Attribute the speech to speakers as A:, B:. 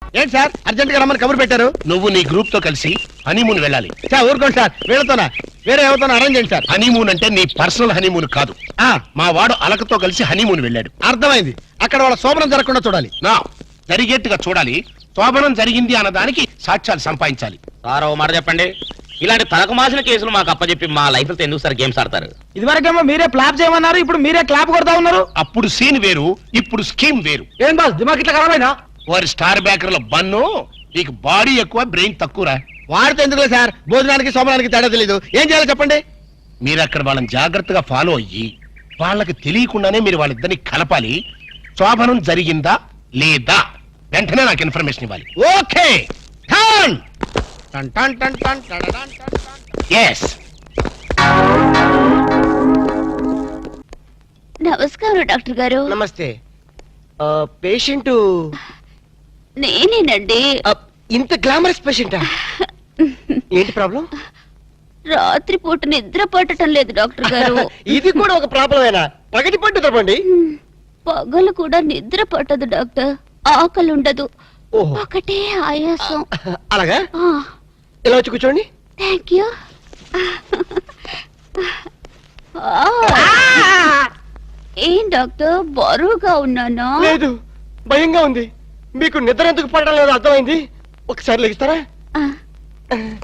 A: ఏంటి sir urgent గా రమ్మని కబురు పెట్టారు?
B: నువ్వు నీ గ్రూప్ తో కలిసి హనీమూన్ వెళ్ళాలి.
A: సార్ ఊరుకోండి సార్, వీళ్ళతోనా వేరే ఎవరితోనా అరేంజ్ చేయండి సార్.
B: హనీమూన్ అంటే నీ పర్సనల్ హనీమూన్ కాదు. మా వాడు అలకతో కలిసి హనీమూన్ వెళ్ళాడు.
A: అర్థమైంది. అక్కడ వాళ్ళ శోభనం జరగకుండా చూడాలి.
B: నా జరిగేట్టుగా చూడాలి. శోభనం జరిగింది అన్నదానికి సాక్ష్యాలు సంపాదించాలి.
C: సార్ ఓ మాట చెప్పండి, ఇలాంటి తలకు మాసిన కేసులు మాకు అప్పచెప్పి మా లైఫ్ తో ఎందుకు సార్ గేమ్స్ ఆడతారు?
A: ఇదివరకేమో మీరే క్లాప్ చేయమన్నారు, ఇప్పుడు మీరే క్లాప్ కొడతా ఉన్నారు.
B: అప్పుడు సీన్ వేరు, ఇప్పుడు స్కీమ్ వేరు.
A: ఏం బాస్ దిమాగ్ ఇట్లా ఖరాబైనా?
B: వారి స్టార్ బ్యాకర్ల బన్ను, నీకు బాడీ ఎక్కువ బ్రెయిన్ తక్కువరా.
A: వాడితే ఎందుకులే సార్, భోజనానికి శోభనానికి తేడా తెలీదు. ఏం చేయాలో చెప్పండి.
B: మీరు అక్కడ వాళ్ళని జాగ్రత్తగా ఫాలో అయ్యి వాళ్ళకి తెలియకుండానే మీరు వాళ్ళిద్దరిని కలపాలి. శోభనం జరిగిందా లేదా వెంటనే నాకు ఇన్ఫర్మేషన్ ఇవ్వాలి.
A: ఓకే టన్ టన్ టన్ టన్ టన్ టన్ టన్ టన్.
B: yes
D: నమస్కారం డాక్టర్ గారు.
E: నమస్తే. పేషెంట్
D: నేనేనండి.
E: ఇంత గ్లామరస్ పేషెంటా? ఏంటి ప్రాబ్లం?
D: రాత్రిపూట నిద్ర పట్టడం లేదు డాక్టర్ గారు.
E: ఇది కూడా ఒక ప్రాబ్లమేనా? పగటి పట్టు తప్పండి.
D: పగలు కూడా నిద్ర పట్టదు డాక్టర్. ఆకలి ఉండదు,
E: ఓహో.
D: ఒకటే ఆయాసం.
E: అలాగా? ఇలా వచ్చి కూర్చోండి.
D: Thank you. ఏం డాక్టర్ బరువుగా ఉన్నానా?
E: లేదు, భయంగా ఉంది. మీకు నిద్ర ఎందుకు పడడం లేదు అర్థమైంది. ఒకసారి లెగిస్తారా?